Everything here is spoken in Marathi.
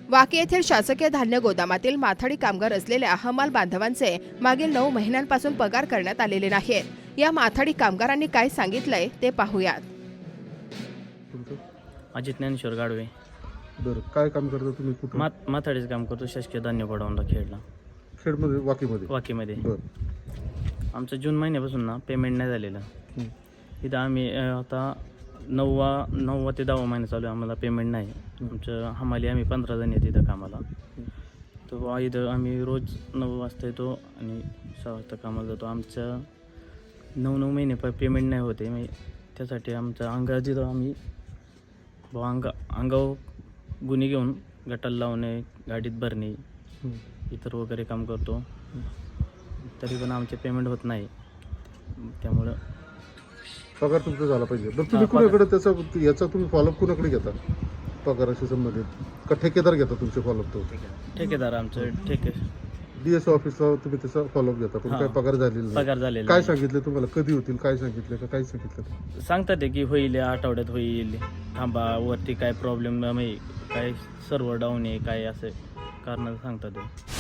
वाकी येथील शासकीय धान्य गोदामातील माथाडी कामगार असलेल्या हमाल बांधवांचे मागील 9 महिन्यांपासून पगार करण्यात आलेले नाहीत। या माथाडी कामगारांनी काय सांगितलंय ते पाहूयात। तुमचं अजित ज्ञानेश्वर गाडवे। बरं, काय काम करता तुम्ही? कुठं? माथाडीचं काम करतो, शासकीय धान्य गोडाऊनला खेळला खेडमध्ये, वाकीमध्ये? वाकीमध्ये। बरं, आमचं जून महिन्यापासून ना पेमेंट नाही झालेलं। इथं आम्ही आता 9वा ते 10वा महिना चालू आहे, आम्हाला पेमेंट नाही। आमचं हमाली आम्ही 15 जण येते इथं कामाला। तो इथं आम्ही रोज 9 वाजता येतो आणि 6 वाजता कामाला जातो। आमचं 9 महिने पेमेंट नाही होते, मग त्यासाठी आमचं अंगा तिथं आम्ही अंगावर गुन्हे घेऊन गटाला लावणे, गाडीत भरणे, इतर वगैरे काम करतो। तरी पण आमचे पेमेंट होत नाही, त्यामुळं पगार तुमचा झाला पाहिजे। बरं, तुम्ही कुणाकडे याचा तुम्ही फॉलोअप कुणाकडे घेता पगाराशी संबंधित? का ठेकेदार घेता तुमचे फॉलोअप? तो ठेकेदार आमचं DSO ऑफिसला तुम्ही त्याचा फॉलोअप घेता, पण काय पगार झालेला नाही? पगार झालेला काय नाही। सांगितलं तुम्हाला? कधी होतील काय सांगितलं का? काय सांगितलं? सांगतात ते की होईल, या आठवड्यात होईल, थांबा, वरती काय प्रॉब्लेम काय सर्व्हर डाऊन आहे, काय असं कारण सांगतात ते।